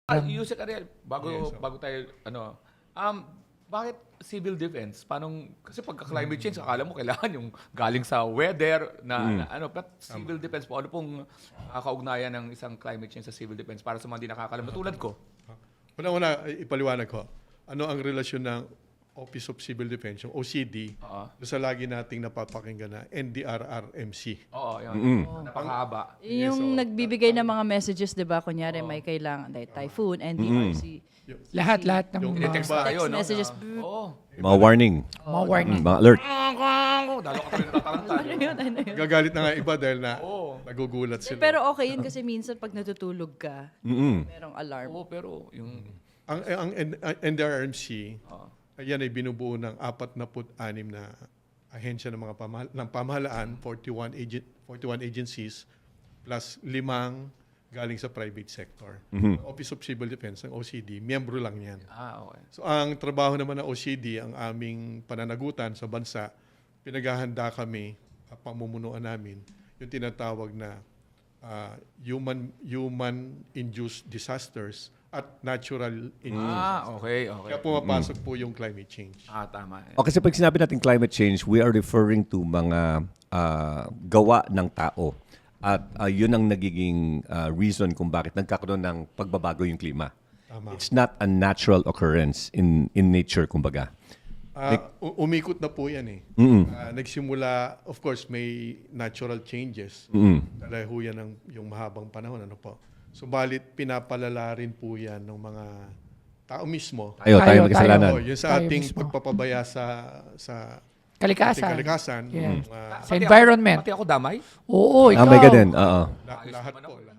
Yusek Ariel, Yes, bago tayo, bakit civil defense? Kasi pagka climate change, akala mo kailangan yung galing sa weather but civil defense po, ano pong kaugnayan ng isang climate change sa civil defense para sa mga hindi nakakalam na tulad ko? Una-una, ipaliwanag ko. Ano ang relasyon ng Office of Civil Defense, yung OCD, sa lagi nating napapakinggan na NDRRMC. Oo, yun. Napakahaba. Yung nagbibigay ng mga messages, di ba? Kunyari, may kailangan, like typhoon, NDRC. Lahat ng Yung mga Text tayo, no? messages. Oo. Mga warning, mga warning. mga alert. Dalo ka talaga tataranta. Ano yun? Gagalit na nga iba dahil na nagugulat sila. Pero okay yun kasi minsan pag natutulog ka, merong alarm. Oo, pero yung... Ang NDRRMC, yan ay binubuo ng 46 na ahensya ng mga pamahalaan, 41 agencies, plus 5 galing sa private sector. Office of Civil Defense, ng OCD, miyembro lang yan. okay. So ang trabaho naman ng OCD, ang aming pananagutan sa bansa, pinaghahanda kami, pamumunuan namin, yung tinatawag na human-induced disasters at natural injustice. Okay. Kaya pumapasok po yung climate change. Tama. O kasi pag sinabi natin climate change, we are referring to mga gawa ng tao. At yun ang nagiging reason kung bakit nagkakaroon ng pagbabago yung klima. Tama. It's not a natural occurrence in nature, kumbaga. Umikot na po yan eh. Nagsimula, of course, may natural changes. Dahil ho yan yung mahabang panahon. Ano po? Subalit, pinapalala rin po yan ng mga tao mismo. Tayo may kasalanan. Yun sa Tayo ating mismo. pagpapabaya sa Kalikasan. ating kalikasan. Yeah. Mga- Sa environment. Pati ako damay? Oo, ikaw. May ganun, oo. lahat po.